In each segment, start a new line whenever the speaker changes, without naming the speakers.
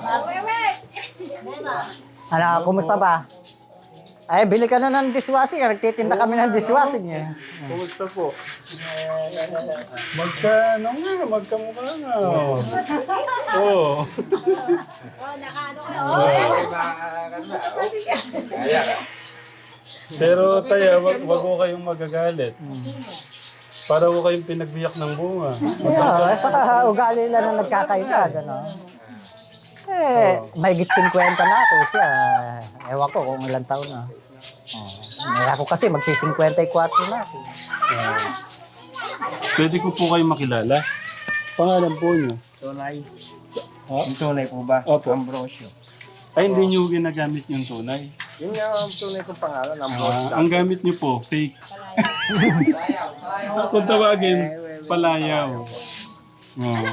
Ano, kumusta ba? Ay, bili ka na ng dishwashing. Nagtitinda kami ng dishwashing eh.
Kumusta po? Magkamukha nga. Oo. Pero tayo, wag ko kayong magagalit. Para ko kayong pinagbiyak ng bunga.
Yeah, saka ugali lang na nagkakaita, gano'n. Eh, may 50 na ako siya. Ewan ko kung ilang taon na. Ako kasi magsi-54 na.
Pwede ko po kayo makilala. Pangalan po niyo?
Tunay.
Ha?
Yung tunay po ba?
Opo.
Ambrosio.
Ay, hindi niyo ginagamit yung tunay.
Yun nga ang tunay kong pangalan, Ambrosio.
Ang gamit niyo po, fake. Kung tawagin, palayaw. Oh.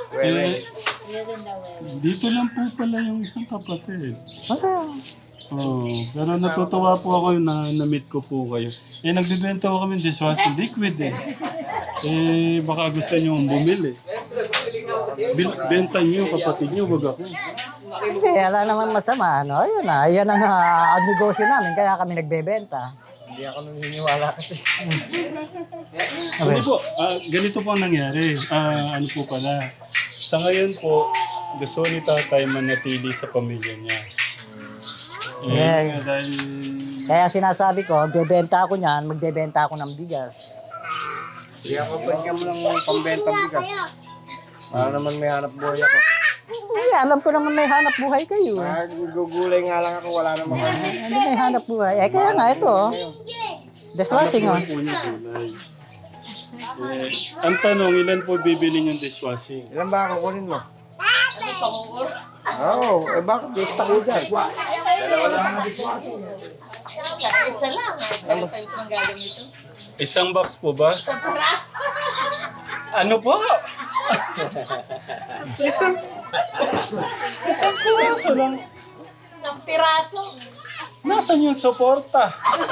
Dito lang po pala yung isang kapatid. Oh, pero natutuwa po ako yung na-meet ko po kayo. Eh, nagbibenta ko kami ng dishwashing liquid eh. Eh, baka gusto nyo bumili. Benta nyo, kapatid nyo, wag ako.
Hindi, wala naman masama. Ano? Ayun na, yan ang negosyo namin, kaya kami nagbebenta.
Hindi ako naniniwala kasi.
Hindi po, ganito po ang nangyari. Ano po pala. Sa ngayon po, gusto ni tatay manatili sa pamilya niya. Dahil...
Kaya sinasabi ko, magbebenta ako niyan, magbebenta ako ng bigas.
Hindi ako pagkam lang pambentang bigas. Para naman may hanap buhay ako.
Eh, alam ko naman may hanap buhay kayo.
Gugulay nga lang ako, wala namang ano.
Hindi may hanap buhay. Eh, kaya nga ito. Dishwashing oh.
Po niya gulay. Ang tanong, ilan po bibili yung dishwashing?
Ilan ba ako kunin mo? Oo, eh bakit gusto ko dyan?
Isa lang. Ano tayo pang gagamito?
Isang box po ba? Ano po? Isang piraso lang.
Isang piraso.
Nasaan yung suporta?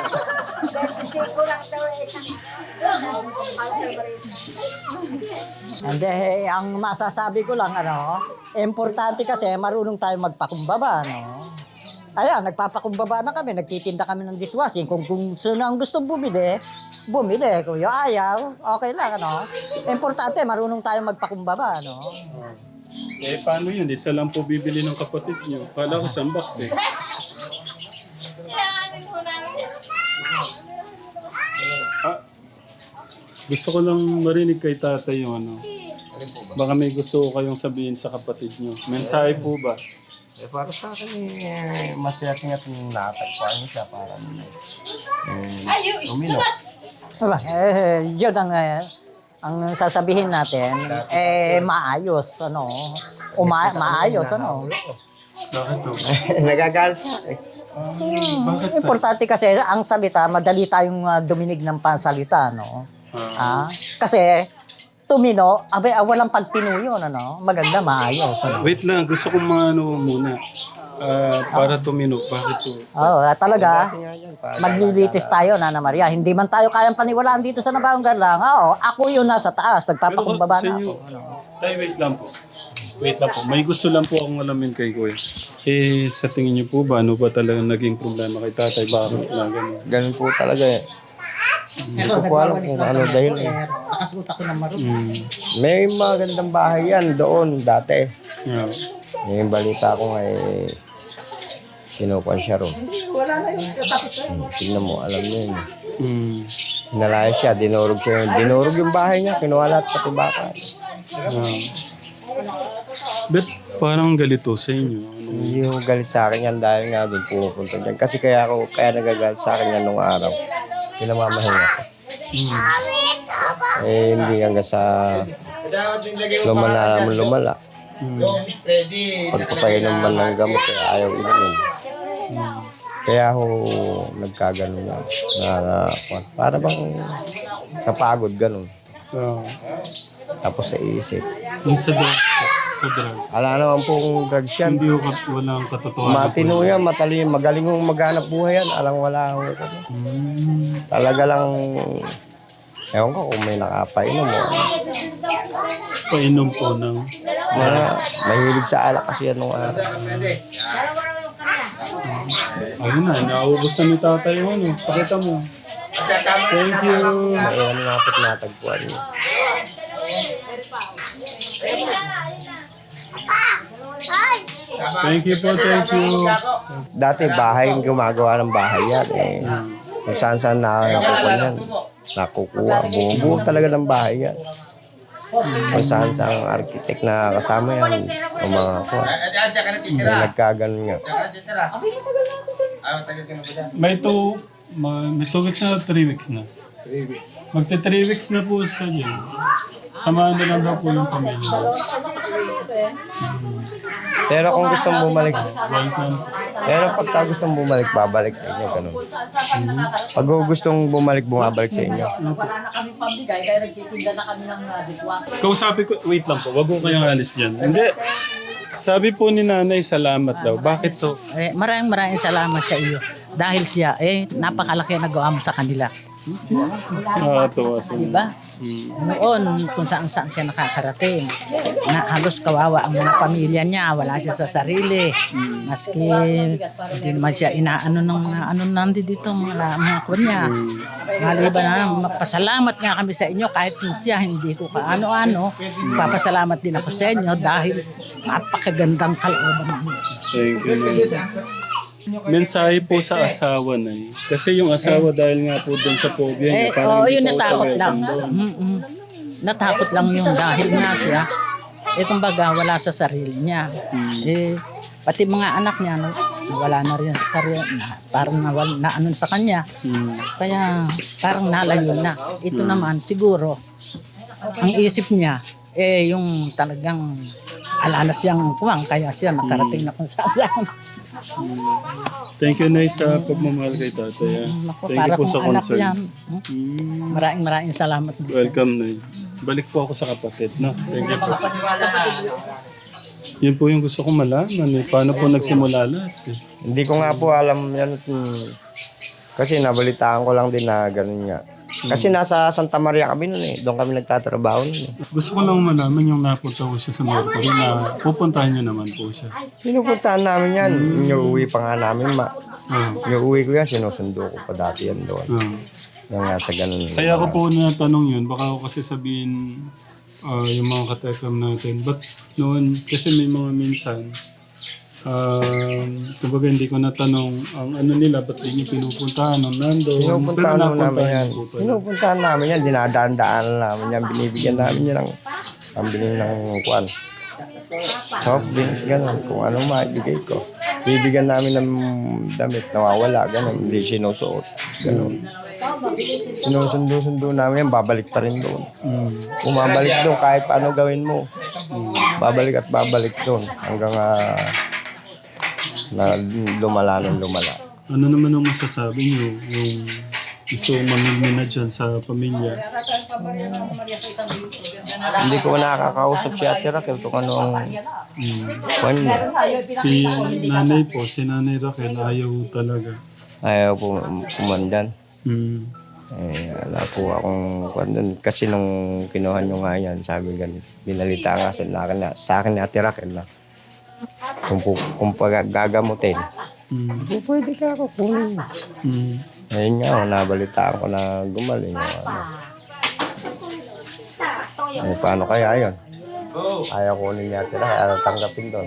Hindi, ang masasabi ko lang, ano, importante kasi marunong tayo magpakumbaba, no? Ayan, nagpapakumbaba na kami, nagtitinda kami ng dishwashing. Kung sino ang gustong bumili, bumili. Kung yung ayaw, okay lang, ano? Importante, marunong tayo magpakumbaba, no?
Eh, paano yun? Isa lang po bibili ng kapatid niyo. Kala ko isang box eh.
Kailanganin mo namin.
Gusto ko lang marinig kay tatay yung ano. Baka may gusto ko kayong sabihin sa kapatid niyo. Mensahe po ba?
Eh para sa akin, masaya nga itong natagpuan mo siya para
Ayo,
umino.
Diba? Yun ang sasabihin natin, maayos, ano? Maayos, ano?
Bakit po?
Nagagalit sa akin.
Bakit ta?
Importante kasi ang salita, madali tayong duminig ng pansalita, no? Kasi tumino, walang pagtinuyo, ano? Maganda, maayos, ano?
Wait lang, gusto kong ano muna. Para tumino. Bakit po?
Talaga, maglilitis tayo, Nana Maria. Hindi man tayo kayang paniwalaan dito sa Nabaong Garlang. Ako yun nasa taas, nagpapakumbaba na ako.
Tay, wait lang po. Wait lang po. May gusto lang po akong alamin kay Kuya. Eh, sa tingin niyo po ba, ano ba talaga naging problema kay tatay? Bakit na ganun?
Ganun po talaga eh. Hindi ko po alam kung ano dahil eh.
Nakasuot ako ng maroon.
May magandang bahay yan doon dati.
Yeah.
May balita ko nga eh, kinukuhan siya ron.
Wala na yun.
Tingnan mo, alam niyo yun.
Hinalaya
siya, dinurog siya. Dinurog yung bahay niya, kinuha lahat pati baka.
But parang galito sa inyo. Ano?
Hindi ko galit sa akin yan dahil nga doon pumupunta dyan. Kasi kaya nagagalit sa akin yan nung araw. Pinamamahinga ko. Eh, hindi hanggang sa lumala. Pagpapainom man ng gamot, kaya ayaw inumin. Kaya ako nagkaganon na. Para bang sa pagod, ganun. Tapos sa isip.
Yung sa drugs. Sa drugs.
Ala naman pong drugs yan.
Hindi ko walang katotohanan.
Matino yan, matalino, magaling mong maghanap buhay yan. Alang wala ako. Talaga lang Ewan ko kung may nakapainom mo.
Painom po ng...
Mahilig sa alak kasi yan nung araw.
Ayun na, naubos na ni tatay yung ano. Pakita mo. Thank you.
May ano nga po't natagpuan niya.
Thank you po, thank you.
Dati bahay, gumagawa ng bahay yan. Kung saan nakukuha yan. Nakukuha. Buo talaga ng bahay yan. Kung saan architect na kasama yan. Ang mga kuha. May nagkaganon nga.
May 2 weeks na, 3 weeks na. Magte 3 weeks na po siya dyan. Samahan na lang daw po yung pamilya.
Pero kung gustong bumalik,
Welcome.
pero pagka gustong bumalik, babalik sa inyo. Ganun. Pag gustong bumalik, bumabalik sa inyo.
Wala na kami pambigay, kaya nagtitinda na kami ng dishwasher.
Kausapin ko, wait lang po, wag ko kayong alis dyan. Hindi. Sabi po ni nanay, salamat daw. Bakit to?
Maraming salamat sa iyo. Dahil siya, napakalaki ang nagawa mo sa kanila.
Tuwa po.
Diba? Noon, kung saan siya nakakarating. Na halos kawawa ang mga pamilya niya. Wala siya sa sarili. Maski hindi naman siya inaano ng mga ano nandi dito, mga kuwan niya. Maliban na, pasalamat nga kami sa inyo kahit kung siya hindi ko kaano-ano. Papasalamat din ako sa inyo dahil napakagandang kalooban mo.
Thank you. Mensahe po sa asawa na kasi yung asawa dahil nga po doon sa phobia niya. Parang
Yun
hindi po
natakot
siya
lang.
welcome doon.
Natakot lang yun dahil nga siya, kumbaga wala sa sarili niya. Pati mga anak niya, wala na rin sa sarili. Parang na ano sa kanya. Kaya parang nalayo na. Ito naman siguro, ang isip niya, yung talagang ala na siyang kuwang, kaya siya nakarating na kung saan.
Thank you, Nay, sa pagmamahal kay tatay. Thank you po sa concern.
Maraming salamat.
Welcome, Nay. Balik po ako sa kapatid, no? Thank you po. Yun po yung gusto kong malaman. Paano po nagsimula lahat?
Hindi ko nga po alam yan. Kasi nabalitaan ko lang din na ganun nga. Kasi nasa Santa Maria kami nun Doon kami nagtatrabaho nun
Gusto ko lang malaman yung napunta ko siya sa Mercury na pupuntahan niyo naman po siya.
Pinupuntahan namin yan. Inuwi pa nga namin Inuwi ko yan. Sinusundo ko pa dati yan doon. Yung nga sa ganun.
Kaya ako po natanong yun. Baka ako kasi sabihin yung mga katekram natin. But noon, kasi may mga minsan, kumbaga hindi ko natanong ang ano nila, ba't di niyo pinupuntahan ng nando?
Pinupuntahan namin yan. Pinupuntahan namin yan. Dinadaan-daan namin yan. Binibigyan namin yan ng pambili ng kuwan. Soft drinks, gano'n. Kung ano maibigay ko. Bibigyan namin ng damit, nawawala, gano'n. Hindi sinusuot, gano'n. Sinusundo-sundo namin yan, babalik pa rin doon. Bumabalik doon, kahit paano gawin mo. Babalik at babalik doon. Hanggang na lumala ng lumala.
Ano naman ang masasabi niyo? Yung gusto mamimina dyan sa pamilya?
Hindi ko nakakausap si Ate Raquel kung ano ang kwan niya.
Si nanay po, si nanay Raquel, ayaw talaga.
Ayaw po kumandan. Wala po akong kwan doon. Kasi nung kinuha nyo nga yan, sabi ganun. Binalita nga sa akin ni Ate Raquel na kung gagamutin, pwede ka ako kunin. Ayun nga, nabalitaan ko na gumaling. Paano kaya yun? Ayaw kunin niya tira, ayaw tanggapin doon.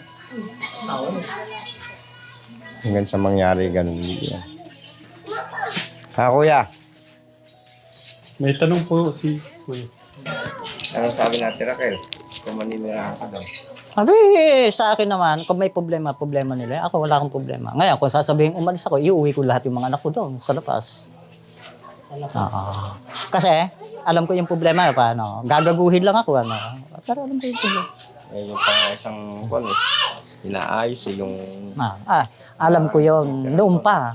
Hanggang sa mangyari ganun. Kuya?
May tanong po si Kuya.
Ano sabi natin, Raquel? Kung maninirahan ka daw.
Abi, sa akin naman, kung may problema nila. Ako wala akong problema. Ngayon, kung sasabihin umalis ako, iuwi ko lahat yung mga anak ko doon sa labas. Kasi, alam ko yung problema, paano? Gagaguhin lang ako, Pero alam ko yung problema.
Yung pang isang kwan, inaayos yung...
Alam ko yung noon pa.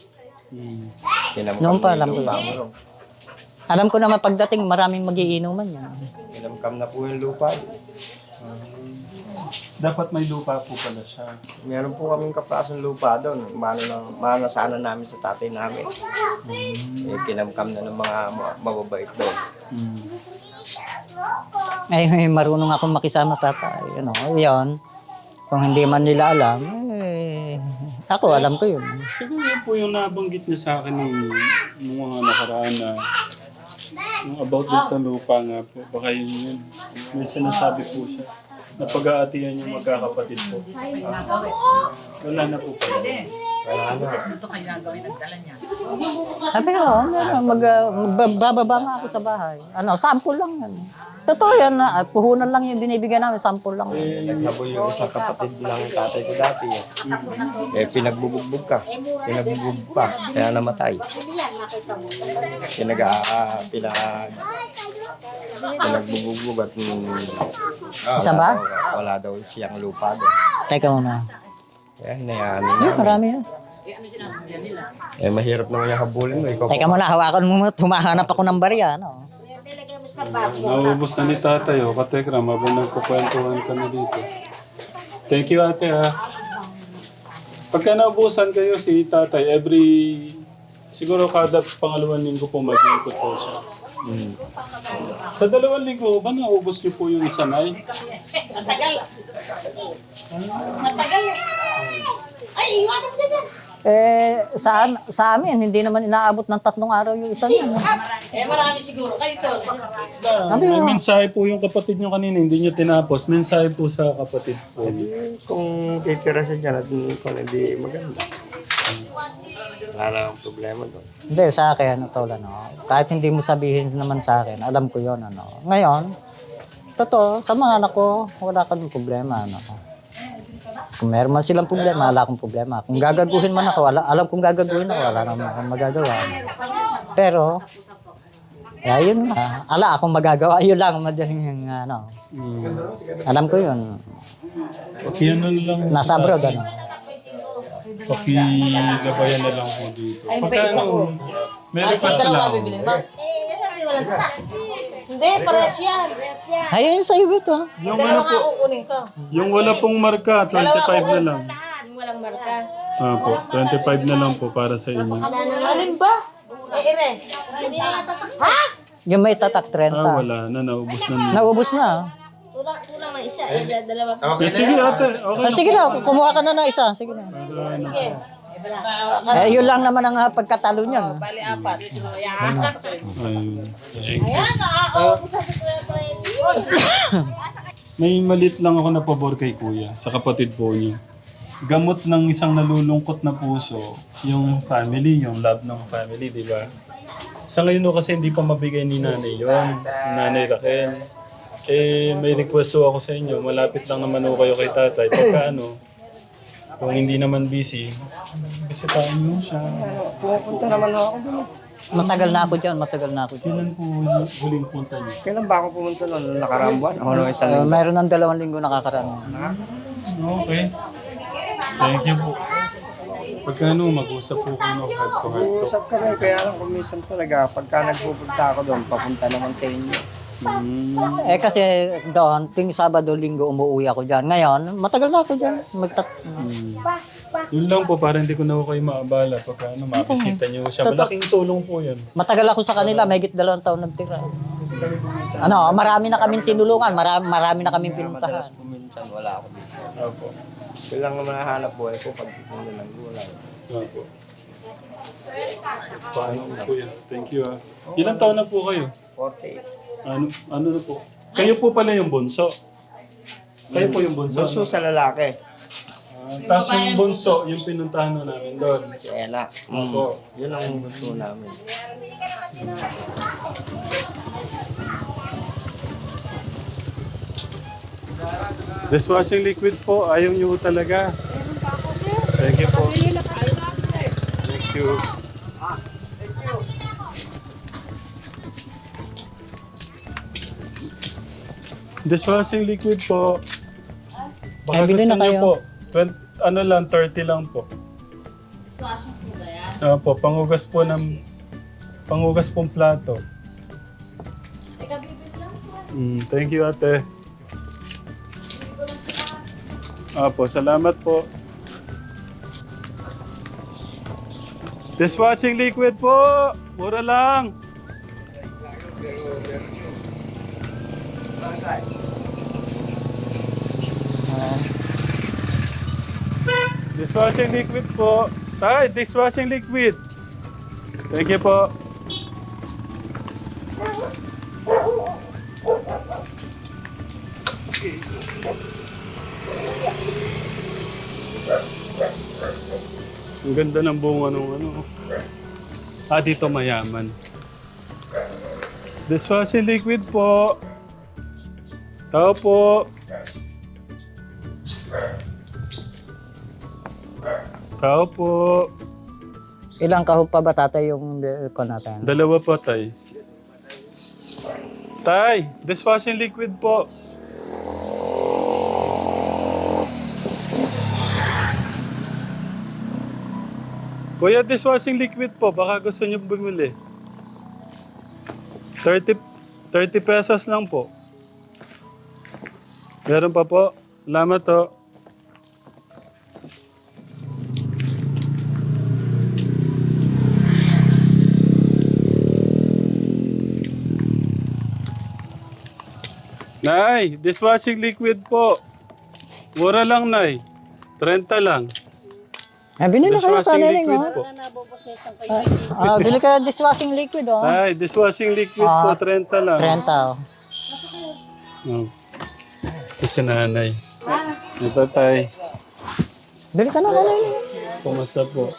Noon pa, alam ko yun. Alam ko naman pagdating, maraming magiinuman yan.
Kinamkam na po yung lupa.
Dapat may lupa po pala siya.
Meron po kaming kaprasong lupa doon. Mano sana namin sa tatay namin. Eh, kinamkam na ng mga mababait doon.
Ay, marunong ako makisama tatay. Ano, yun. Kung hindi man nila alam, ako alam ko yun.
Siguro yun po yung nabanggit niya sa akin nung mga nakaraan na yung about din sa lupa nga po. Baka yun. May sinasabi po siya. Na pag-aatihan yung magkakapatid po. Wala na po pala.
Ito kayo gagawin, nagdala niya.
Sabi ko, magbababa nga ako sa bahay. Ano, sample lang yan. Totoo yan na, puhunan lang yung binibigyan namin, sample lang.
Naghabol yung isang kapatid ng tatay ko dati. Eh, pinagbubugbog ka. Pinagbubugbog pa. Kaya namatay. Pinagbubugbog at
Isa ba?
wala daw siyang lupa doon.
Teka muna.
Kaya hinayaan niya.
Marami yan.
Eh, mahirap naman yung habulin mo. Ikaw
Teka muna, hawakan mo muna, tumahanap ako ng barya. Ano?
Naubos na ni tatay, oh. Katekram, habang nagkukwentuhan ka na dito. Thank you, ate, ha. Pagka naubusan kayo si tatay, siguro kada pangalawang linggo po mag-iikot po siya. Sa 2 linggo ba naubos niyo po yung isa na
Matagal. Ay, iwanan mo dyan.
Sa amin, hindi naman inaabot ng 3 araw yung isa niya.
Marami siguro. Kayo to.
May mensahe po yung kapatid niyo kanina, hindi niyo tinapos. Mensahe po sa kapatid po.
kung titira siya dyan at kung hindi maganda. Wala na ang problema doon.
Hindi, sa akin, tol, kahit hindi mo sabihin naman sa akin, alam ko yon ano. Ngayon, totoo, sa mga anak ko, wala kaming problema. Ano. Kung meron man silang problema, wala akong problema. Kung gagaguhin man ako, alam kong gagaguhin ako, wala naman akong magagawa. Pero, yun na. Ala akong magagawa, yun lang, madaling yung ano. Alam ko yun.
Yan na lang.
Nasa abroad, ano.
Pakilabayan na lang po dito. Pagka may request na lang.
Sabi walang tatak. Hindi, parehas yan.
Ayun yung sa'yo ito.
Yung wala po,
Kukunin ko.
yung wala pong marka, 25 na lang.
Walang marka.
Po, 25 na lang po para sa inyo.
Alin ba? Ire. Ha?
Yung may tatak 30.
Wala na, naubos na.
Naubos na.
Kulang ng isa. Dalawa.
Sige ate, okay
Sige na, kumuha ka na ng isa. Sige na. Yun lang naman ang pagkatalo niyan.
Bali, 4.
Ayun.
Ayan, nakakaubos sa
May malit lang ako na pabor kay kuya, sa kapatid po niya. Gamot ng isang nalulungkot na puso, yung family, yung love ng family, di ba? Sa ngayon kasi hindi pa mabigay ni nanay yun, nanay Raquel. May request ako sa inyo, malapit lang naman ako kayo kay tatay. Pagka kung hindi naman busy, bisitahin mo siya.
Pupunta naman ako doon.
Matagal na ako dyan.
Kailan po huling punta niyo?
Kailan ba ako pumunta noon? Nakaraang buwan? Ako nung isang linggo.
Mayroon ng 2 linggo nakakaraan.
Okay. Thank you po. Pagka mag-usap po kayo head to head to.
Usap kami, kaya lang kung minsan talaga, pagka nagpupunta ako doon, papunta naman sa inyo.
Kasi doon, ting Sabado, Linggo, umuwi ako dyan. Ngayon, matagal na ako dyan.
Yun lang po, para hindi ko na kayo maabala pagka mabisita niyo siya. Malaking tulong po yun.
Matagal ako sa kanila, may 2 taon nagtira. Marami na kaming tinulungan, marami na kaming pinuntahan.
Madalas po minsan, wala ako dito.
Opo.
Kailangan naman nahanap buhay ko pag titinda ng gulay.
Opo. Paano po yan? Thank you ah. Ilang taon na po kayo?
48.
Ano na po? Kayo po pala yung bunso. Kayo po yung bunso.
Bunso sa lalaki,
Tapos yung bunso, yung pinuntahan na namin doon.
si Ella.
Opo.
Yun ang bunso namin.
Dishwashing liquid po, ayaw niyo talaga. Thank you po. Thank you. Dishwashing liquid po. Baka
bili
gusto
na
niyo
kayo.
po. 30 lang po.
Dishwashing po ba yan?
Opo, panghugas pong plato.
Teka, bibili lang po.
Thank you ate. Opo, salamat po. Dishwashing liquid po. Mura lang. Dishwashing liquid po. Tay, dishwashing liquid. Thank you po. Ang ganda ng bunga nung ano. Dito mayaman. Dishwashing liquid po. Tao po. Tao po.
Ilang kahog pa ba tatay yung ko natin?
Dalawa po, tay. Tay, dishwashing liquid po. Kuya, dishwashing liquid po. Baka gusto niyo bumili. 30 pesos lang po. Meron pa po. Salamat to. Nay, dishwashing liquid po. Mura lang, Nay. 30 lang.
Binili kayo
Dishwashing
kaniling,
liquid
oh.
po.
Bili kayo dishwashing liquid, oh.
Nay, dishwashing liquid po. 30 lang.
30, oh.
Oh. Ito si nanay. Ito, tay.
Bili ka na kaniling.
Kumusta po?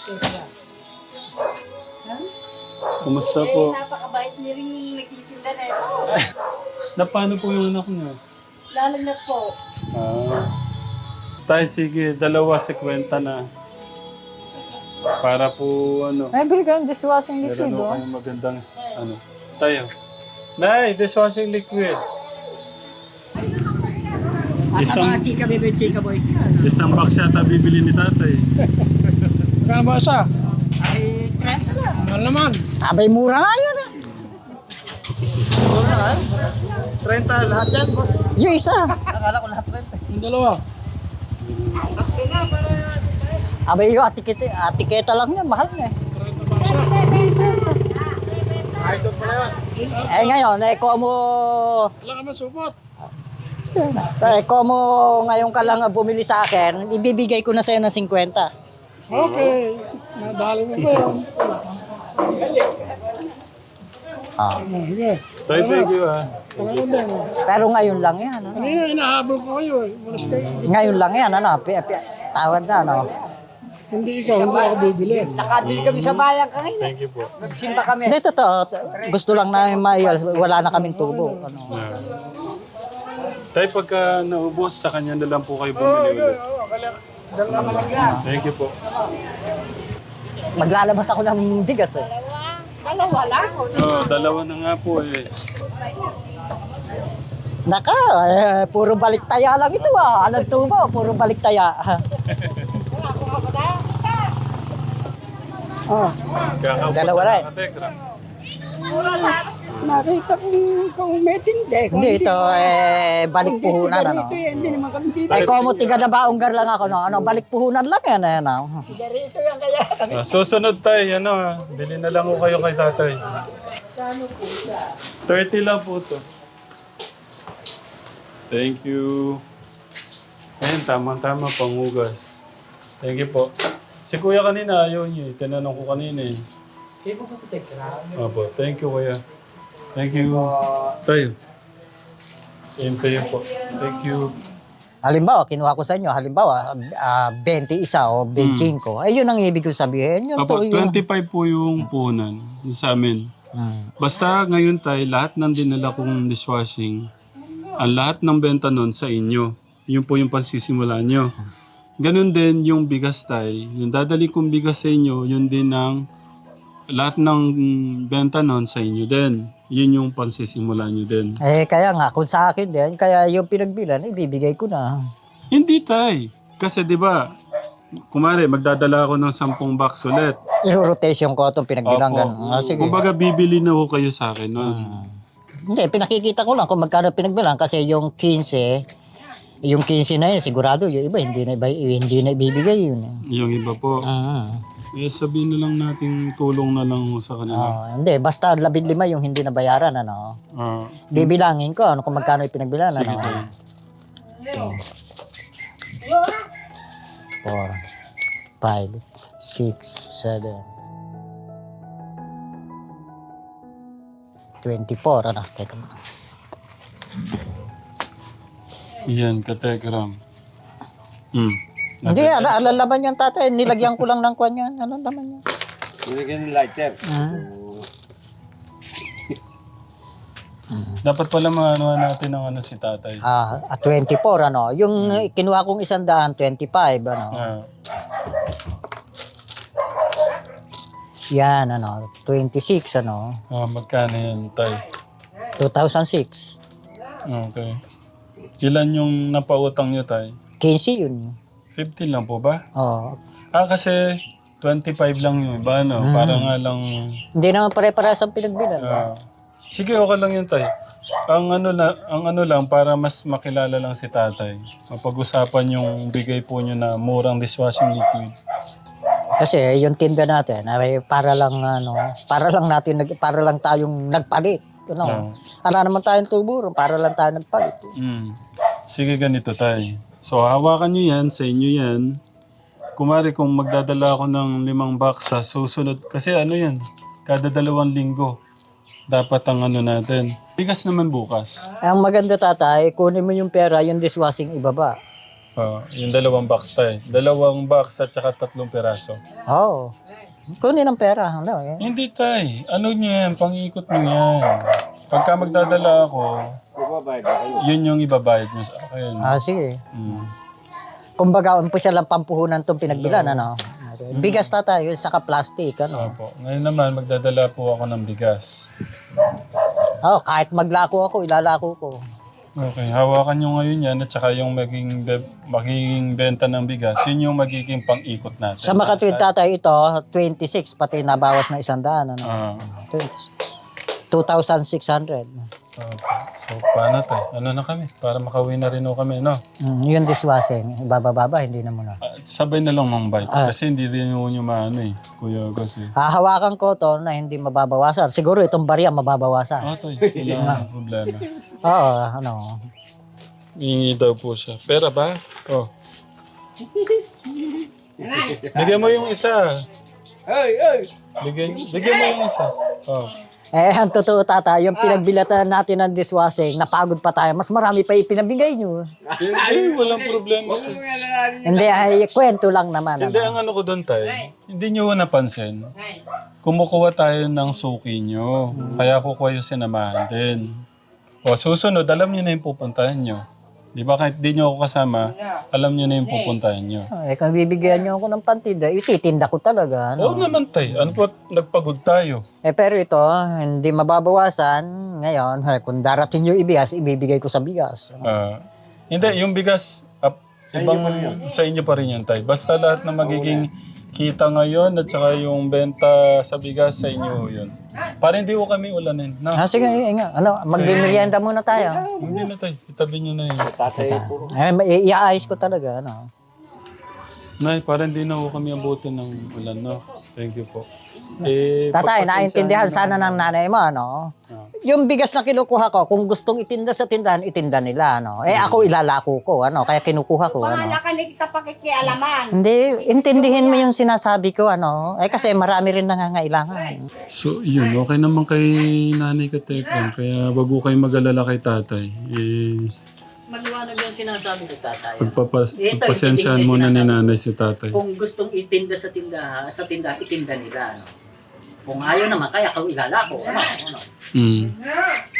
Kumusta po?
Napakabait niya rin yung nagtitinda na ito.
Na paano po yung anak niyo?
Lalo na po.
Tay, sige. 2.50 na. Para po, ano.
Bili kayo dishwashing liquid,
Meron
oh.
kayong magandang, ano. Tayo. Nay, dishwashing liquid.
Chika baby, chika boys yan.
Isang box yata bibili ni tatay.
Kaya ba siya?
Ay, 30 lang.
Mahal naman.
Abay, mura nga yun, eh.
30 lahat yan, boss.
Yung isa.
Akala ko lahat 30. Yung dalawa.
Abay, yung atiketa lang yan, mahal na, eh.
30 ba siya? Ay, doon pala yan.
Ngayon, como...
Wala ka masupot.
Como ngayon ka lang bumili sa akin, ibibigay ko na sa'yo ng 50.
Okay. Nadali mo ba yun? Sige.
Tay, thank you
Pangalaman din.
Pero ngayon lang yan, ano?
Kanina, inahabol ko kayo eh. Malas kayo.
Ngayon lang yan, ano? Tawad na, ano?
Hindi ikaw, hindi ako bibili.
Nakabili kami sa bayan kanina.
Thank you po.
Simba kami. Hindi, totoo. Gusto lang namin wala na kaming tubo. Ano?
Tay, pagka naubos, sa kanya na lang po kayo bumili ulit. Thank you po.
Maglalabas ako ng bigas, eh.
Dalawa lang.
Dalawa na nga po eh.
Naka, puro baliktaya lang ito, ah. Anong tubo? Puro baliktaya. Dalawa na, eh.
Nakita kong kumetindi.
Hindi, ito, balik puhunan, ano?
Hindi naman kami dito.
Como tiga na baonggar lang ako, no? Ano, balik puhunan lang yan, ano?
Dito yan kaya.
Susunod tayo, bili na lang ko kayo kay tatay. 30 lang po to. Thank you. Ayun, tamang-tama, pangugas. Thank you po. Si kuya kanina, ayaw niyo eh. Tinanong ko kanina eh. Opo, thank you kuya. Thank you. Tayo. Same to you po. Thank you.
Halimbawa, kinuha ko sa inyo, halimbawa, 21 o 25. Ayun ang ibig ko sabihin. Yun
Opo,
to, yun.
25 po yung punan sa amin. Basta ngayon tayo, lahat ng dinala kong dishwashing, ang lahat ng benta nun sa inyo. Yun po yung pansisimula nyo. Ganun din yung bigas tayo. Yung dadali kong bigas sa inyo, yun din ang lahat ng benta nun sa inyo din. Yun yung pansisimula nyo din.
Kaya nga, kung sa akin din, kaya yung pinagbilan, ibibigay ko na.
Hindi tay. Kasi di ba, kumare, magdadala ako ng 10 box ulit.
I-rotation ko itong pinagbilang
Opo.
ganun. Sige.
Kumbaga, bibili na ho kayo sa akin nun.
Hindi, pinakikita ko lang kung magkano pinagbilang kasi yung 15, Yung 15 na yun, sigurado, yung iba, hindi na ibibigay yun.
Yung iba po. Eh, sabihin na lang natin tulong na lang sa kanila.
Hindi, basta 15 yung hindi nabayaran, ano. Bibilangin ko, ano kung magkano ipinagbilan,
Sige,
ano.
tay.
4, 5, 6, 7, 24, ano, teka mo.
Yan, katekram.
Hindi, alalaman yan tatay, nilagyan ko lang ng kwan yan, alalaman yan.
Nilagyan ng lighter.
Dapat pala maano natin ng ano si tatay.
24, ano, yung kinuha kong 100, 25, ano. Yan, ano, 26, ano,
Magkano yan, tay?
2006.
Okay. Ilan yung napautang nyo, tay?
15 yun.
15 lang po ba?
Oh.
Kasi 25 lang yung iba, no? Para nga lang...
Hindi naman pare-parehas ang pinagbilan.
Sige, okay lang yun, tay. Ang ano lang, para mas makilala lang si tatay. Mapag-usapan yung bigay po nyo na murang dishwashing liquid.
Kasi yung tinda natin, ay para lang para lang tayong nagpalit. Ano? Wala naman tayong tubo, para lang tayo nagpalit.
Sige, ganito, tay. So, hawakan nyo yan, sa inyo yan. Kumari, kung magdadala ako ng 5 box sa susunod, kasi ano yan, kada 2 linggo, dapat ang ano natin. Bigas naman bukas.
Ang maganda tatay, kunin mo yung pera, yung dishwashing ibaba.
Yung 2 box, tay. 2 box at saka 3 peraso.
Oo. Kunin ang pera. Ano, eh.
Hindi, tay. Ano nyo yan? Pang-ikot nyo yan. Pagka magdadala ako, yun yung ibabayad nyo sa akin.
Sige. Kumbaga, umpisa lang pampuhunan itong pinagbilan, ano? Bigas tatay, yung saka plastic, ano?
Opo. Ngayon naman, magdadala po ako ng bigas.
Kahit maglako ako, ilalako ko.
Okay, hawakan nyo ngayon yan at saka yung magiging benta ng bigas, yun yung magiging pang-ikot natin.
Sa makatuwid tatay ito, 26, pati nabawas na 100, ano? 26. 2,600.
Okay. So, paano tayo? Ano na kami? Para makauwi na rin o kami, no?
Yung dishwashing, ibababa, hindi na muna.
Sabay na lang mang bite. Kasi hindi rin yung maano eh. Kuya Gus eh.
Hahawakan ko to na hindi mababawasan. Siguro itong barya mababawasan.
Toy. Wala nang problema.
Oo, ano.
Hingi daw po siya. Pera ba? Bigyan mo yung isa. Bigyan mo yung isa.
Ang totoo tata, yung pinagbilatan natin ng dishwashing, napagod pa tayo. Mas marami pa ipinabigay nyo.
Walang problema.
Hindi, ay kwento lang naman.
Hindi, ang ano ko doon tayo. Hindi nyo napansin. Kumukuha tayo ng suki nyo. Kaya kukuha yung sinamahan din. Susunod, alam nyo na yung pupuntahan nyo. Di ba kahit di nyo ako kasama, alam nyo na yung pupuntahan nyo.
Kung bibigyan nyo ako ng pantinda, ititinda ko talaga.
Oo naman tayo. Ano po, nagpagod tayo.
Pero ito, hindi mababawasan. Ngayon, kung darating yung ibigas, ibibigay ko sa bigas.
Hindi, yung bigas, ibang sa inyo pa rin yan tayo. Basta lahat na magiging kita ngayon at saka yung benta sa bigas sa inyo yun. Para hindi ko kami ulanin. No?
Sige, magmerienda muna tayo.
Hindi na tayo. Itabi nyo na yun.
Iaayos ko talaga. Ano.
Nay, para hindi na ko kami abutin ng ulan, no? Thank you po.
Tatay, naintindihan sana ng nanay mo, ano? Yung bigas na kinukuha ko, kung gustong itinda sa tindahan, itinda nila, ano? Ako ilalako ko, ano? Kaya kinukuha ko, ano?
Wala ka na kita pakikialaman.
Hindi, intindihin mo yung sinasabi ko, ano? Kasi marami rin nangangailangan.
So, yun. Okay naman kay nanay Katekram. Kaya wag ko kayo mag-alala kay tatay.
Maliwanag yung sinasabi ko, tatay.
Pagpasensyahan muna ni nanay si tatay.
Kung gustong itinda sa tindahan, itinda nila, ano? Kung ayaw naman, kaya ilalako, ano?